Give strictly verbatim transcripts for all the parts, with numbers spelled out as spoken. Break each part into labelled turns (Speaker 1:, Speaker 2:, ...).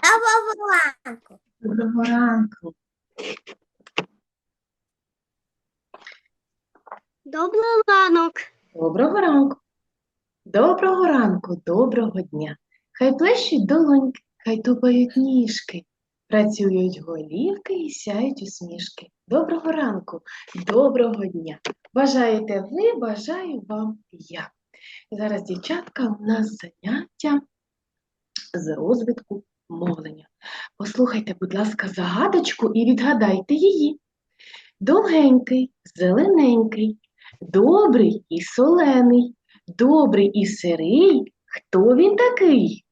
Speaker 1: Доброго ранку.
Speaker 2: Доброго ранку.
Speaker 1: Добрий ранок.
Speaker 2: Доброго ранку. Доброго ранку, доброго дня. Хай плещуть долоньки, хай тупають ніжки, працюють голівки і сяють усмішки. Доброго ранку, доброго дня. Бажаєте ви, бажаю вам я. Зараз, дівчатка, у нас заняття з розвитку мовлення. Послухайте, будь ласка, загадочку і відгадайте її. Довгенький, зелененький, добрий і солений, добрий і сирий. Хто він такий?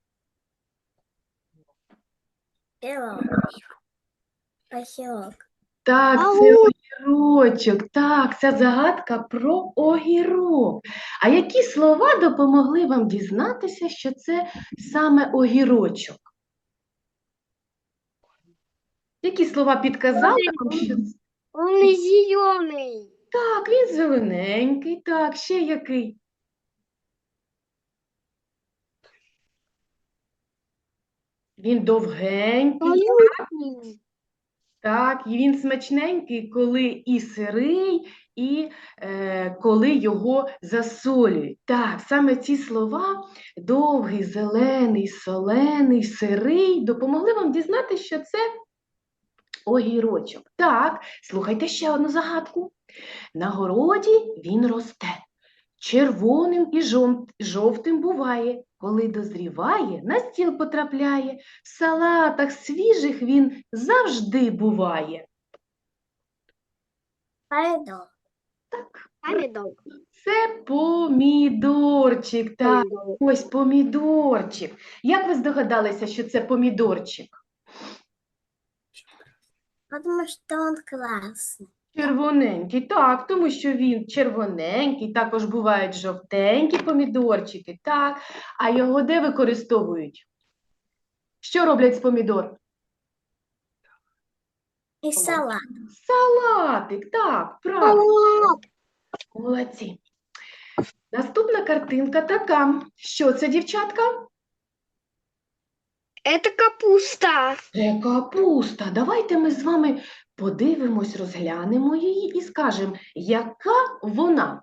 Speaker 1: Огірок.
Speaker 2: Так,
Speaker 1: Ау.
Speaker 2: це огірочок. Так, ця загадка про огірок. А які слова допомогли вам дізнатися, що це саме огірочок? Які слова підказали вам, що це?
Speaker 1: Он зелений.
Speaker 2: Так, він зелененький, так, ще який? Він довгенький, так, і він смачненький, коли і сирий, і е, коли його засолюють. Так, саме ці слова довгий, зелений, солений, сирий допомогли вам дізнати, що це огірочок. Так, слухайте ще одну загадку. На городі він росте, червоним і жом- жовтим буває, коли дозріває, на стіл потрапляє, в салатах свіжих він завжди буває.
Speaker 1: Помідор.
Speaker 2: Так,
Speaker 1: Помідор.
Speaker 2: це помідорчик. Так, ось помідорчик. Як ви здогадалися, що це помідорчик?
Speaker 1: Потому що він класний.
Speaker 2: Червоненький, так, тому що він червоненький, також бувають жовтенькі помідорчики, так. А його де використовують? Що роблять з помідор?
Speaker 1: І салат.
Speaker 2: Салатик, так, правильно. Молодці. Наступна картинка така. Що це, дівчатка?
Speaker 1: Це капуста.
Speaker 2: Це капуста. Давайте ми з вами подивимось, розглянемо її і скажемо, яка вона?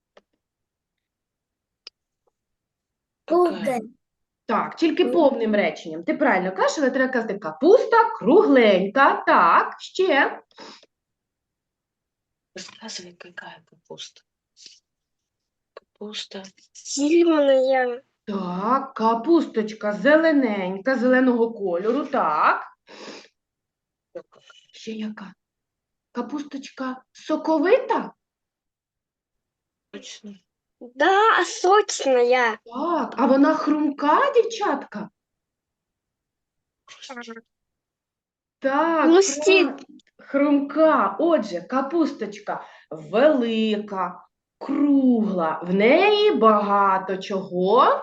Speaker 1: Кругленька.
Speaker 2: Так, тільки повним реченням. Ти правильно кажеш, але треба казати капуста кругленька. Так, ще.
Speaker 3: Рассказывай, какая капуста. Капуста.
Speaker 1: Зеленая.
Speaker 2: Так, капусточка зелененька, зеленого кольору. Так. Ще яка? Капусточка соковита?
Speaker 3: Точно.
Speaker 1: Да, сочная.
Speaker 2: Так, а вона хрумка, дівчатка? Так,
Speaker 1: Хрустить.
Speaker 2: прав- хрумка. Отже, капусточка велика, кругла. В неї багато чого?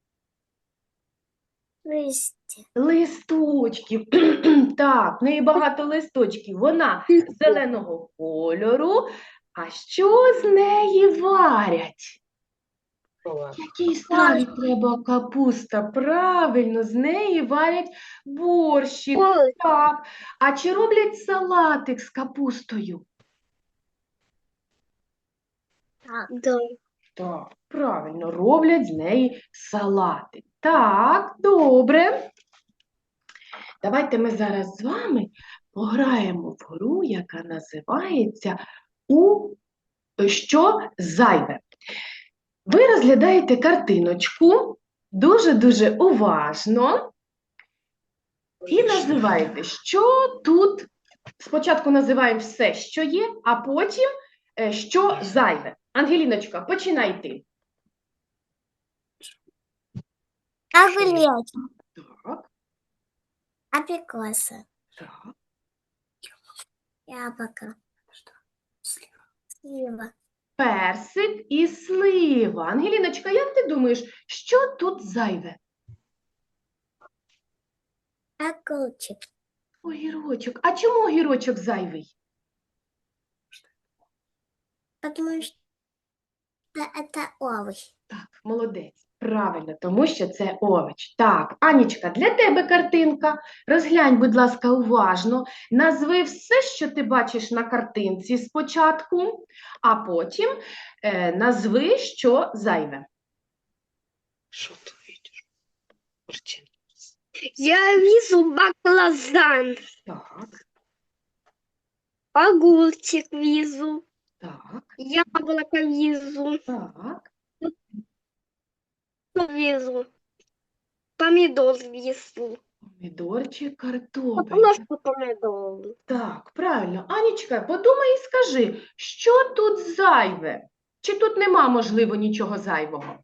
Speaker 1: Листья.
Speaker 2: Листочків. Так, в неї багато листочків. Вона зеленого кольору. А що з неї варять? Якій страві треба капуста? Правильно, з неї варять борщик.
Speaker 1: Ой.
Speaker 2: Так. А чи роблять салатик з капустою?
Speaker 1: Да.
Speaker 2: Так, правильно, роблять з неї салатик. Так, добре. Давайте ми зараз з вами пограємо в гру, яка називається «У що зайве?». Ви розглядаєте картиночку дуже-дуже уважно і називаєте, що тут. Спочатку називаємо все, що є, а потім, е, що зайве. Ангеліночка, починай ти.
Speaker 1: Огурец.
Speaker 2: Так,
Speaker 1: Абрикоса.
Speaker 2: так.
Speaker 1: Яблоко. Слива.
Speaker 2: Персик і слива. Ангеліночка, як ти думаєш, що тут зайве?
Speaker 1: Огурчик.
Speaker 2: Огірочок. А чому огірочок зайвий?
Speaker 1: Потому что это овощ.
Speaker 2: Так, молодець. Правильно, тому що це овоч. Так, Анічка, для тебе картинка. Розглянь, будь ласка, уважно. Назви все, що ти бачиш на картинці спочатку, а потім е, назви, що зайве.
Speaker 3: Что ты видишь? Картина.
Speaker 1: Я вижу баклажан,
Speaker 2: Так,
Speaker 1: огурчик вижу,
Speaker 2: так,
Speaker 1: яблоко вижу,
Speaker 2: так.
Speaker 1: вижу, помидор вижу.
Speaker 2: Помідорчик, картопель.
Speaker 1: Просто помидор.
Speaker 2: Так, правильно. Анічка, подумай і скажи, що тут зайве? Чи тут нема, можливо, нічого зайвого?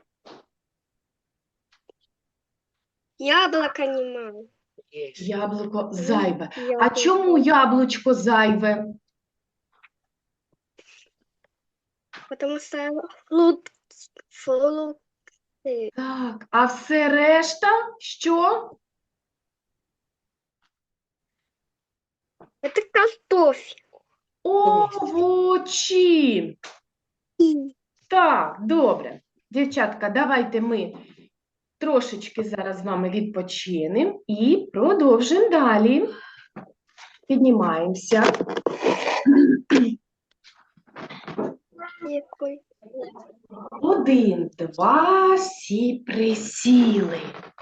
Speaker 1: Яблоко нема.
Speaker 3: Есть.
Speaker 2: Яблуко зайве. А
Speaker 1: Яблоко.
Speaker 2: чому яблучко зайве?
Speaker 1: Потому что фрукт, фрукты.
Speaker 2: Так, а все решта що?
Speaker 1: Это картофель.
Speaker 2: Овочі. Так, добре. Дівчатка, давайте ми трошечки зараз з вами відпочинемо і продовжимо далі. Піднімаємося.
Speaker 1: Какой?
Speaker 2: Один, два, всі присіли.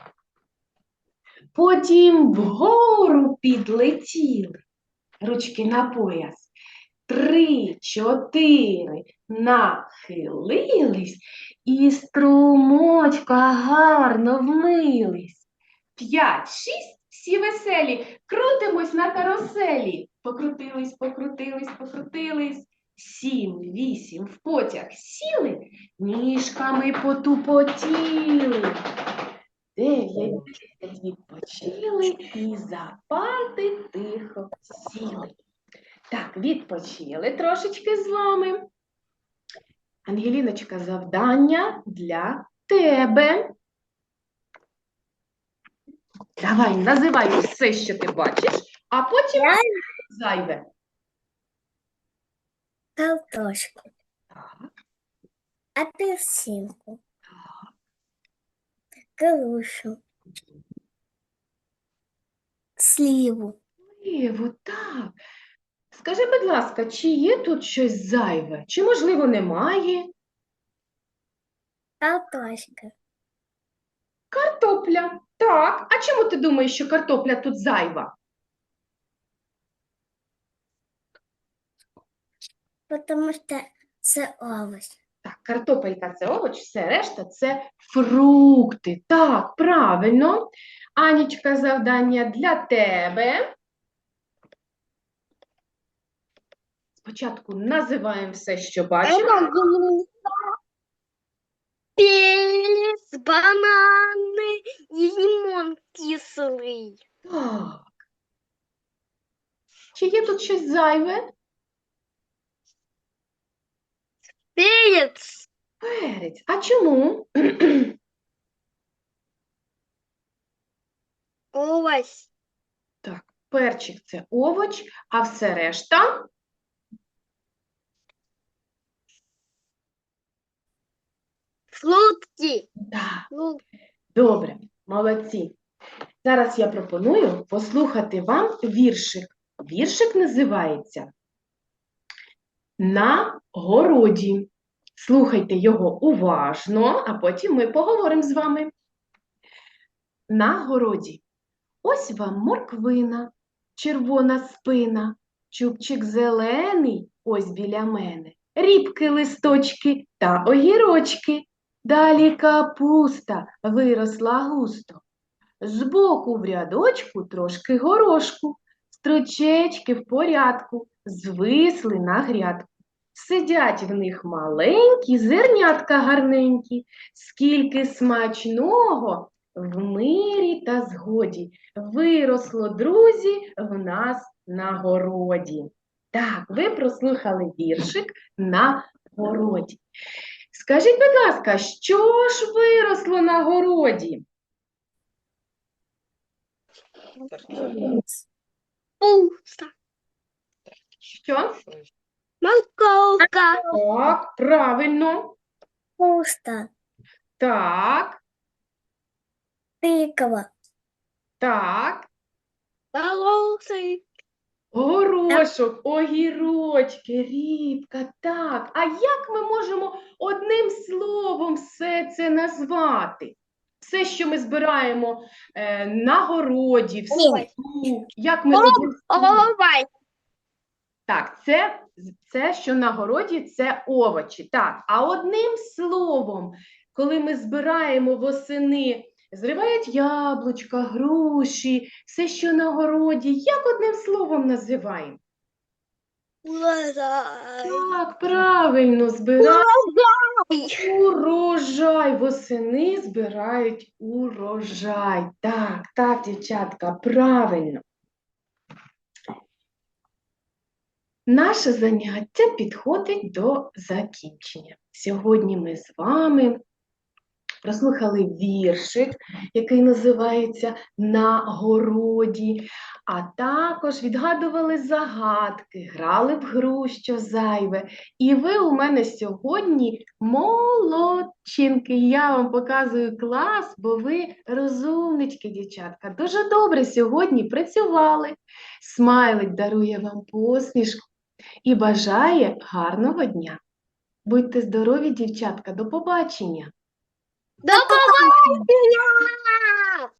Speaker 2: Потім вгору підлетіли. Ручки на пояс. Три, чотири, нахилились і струмочка гарно вмились. П'ять, шість, всі веселі, крутимось на каруселі. Покрутились, покрутились, покрутились. Сім, вісім, в потяг сіли, ніжками потупотіли. Дев'ять, десять, відпочили і за парти тихо сіли. Так, відпочили трошечки з вами. Ангеліночка, завдання для тебе. Давай, називай все, що ти бачиш, а потім зайве.
Speaker 1: Картошку.
Speaker 2: Так,
Speaker 1: Апельсинку. Грушу. Сливу.
Speaker 2: Єво, так. Скажи, будь ласка, чи є тут щось зайве? Чи, можливо, немає?
Speaker 1: Картошка.
Speaker 2: Картопля. Так. А чому ти думаєш, що картопля тут зайва?
Speaker 1: Потому что это овощ.
Speaker 2: Так, картопелька – це овоч, все решта – це фрукти. Так, правильно. Анічка, завдання для тебе. Спочатку називаємо все, що бачимо.
Speaker 1: Перец, бананы и лимон кислый.
Speaker 2: Так. Чи є тут щось зайве?
Speaker 1: Перец.
Speaker 2: Перець. А чому?
Speaker 1: Овощ.
Speaker 2: Так, перчик – це овоч, а все решта?
Speaker 1: Фрукты.
Speaker 2: Так.
Speaker 1: Фрукты.
Speaker 2: Добре, молодці. Зараз я пропоную послухати вам віршик. Віршик називається «На городі». Слухайте його уважно, а потім ми поговоримо з вами. На городі. Ось вам морквина, червона спина, чубчик зелений ось біля мене, рібки, листочки та огірочки. Далі капуста виросла густо. Збоку в рядочку трошки горошку, стручечки в порядку, звисли на грядку. Сидять в них маленькі зернятка гарненькі, скільки смачного в мирі та згоді виросло, друзі, в нас на городі. Так, ви прослухали віршик «На городі». Скажіть, будь ласка, що ж виросло на городі?
Speaker 1: Пусто.
Speaker 2: Що?
Speaker 1: Морковка.
Speaker 2: Так, правильно.
Speaker 1: Пусто.
Speaker 2: Так,
Speaker 1: Тыква.
Speaker 2: так.
Speaker 1: Волосы.
Speaker 2: Горошок, огірочки, рібка, так. А як ми можемо одним словом все це назвати? Все, що ми збираємо е, на городі, в
Speaker 1: Ой.
Speaker 2: саду, як ми одним словом?
Speaker 1: Овощ.
Speaker 2: Так, це, це, що на городі, це овочі. Так, а одним словом, коли ми збираємо восени, зривають яблучка, груші, все, що на городі, як одним словом називаємо?
Speaker 1: Урожай.
Speaker 2: Так, правильно, збирають урожай. Восени збирають урожай. Так, так, дівчатка, правильно. Наше заняття підходить до закінчення. Сьогодні ми з вами прослухали віршик, який називається «На городі», а також відгадували загадки, грали в гру «Що зайве». І ви у мене сьогодні молодчинки. Я вам показую клас, бо ви розумнички, дівчатка. Дуже добре сьогодні працювали. Смайлик дарує вам посмішку і бажає гарного дня. Будьте здорові, дівчатка, до побачення!
Speaker 1: До побачення!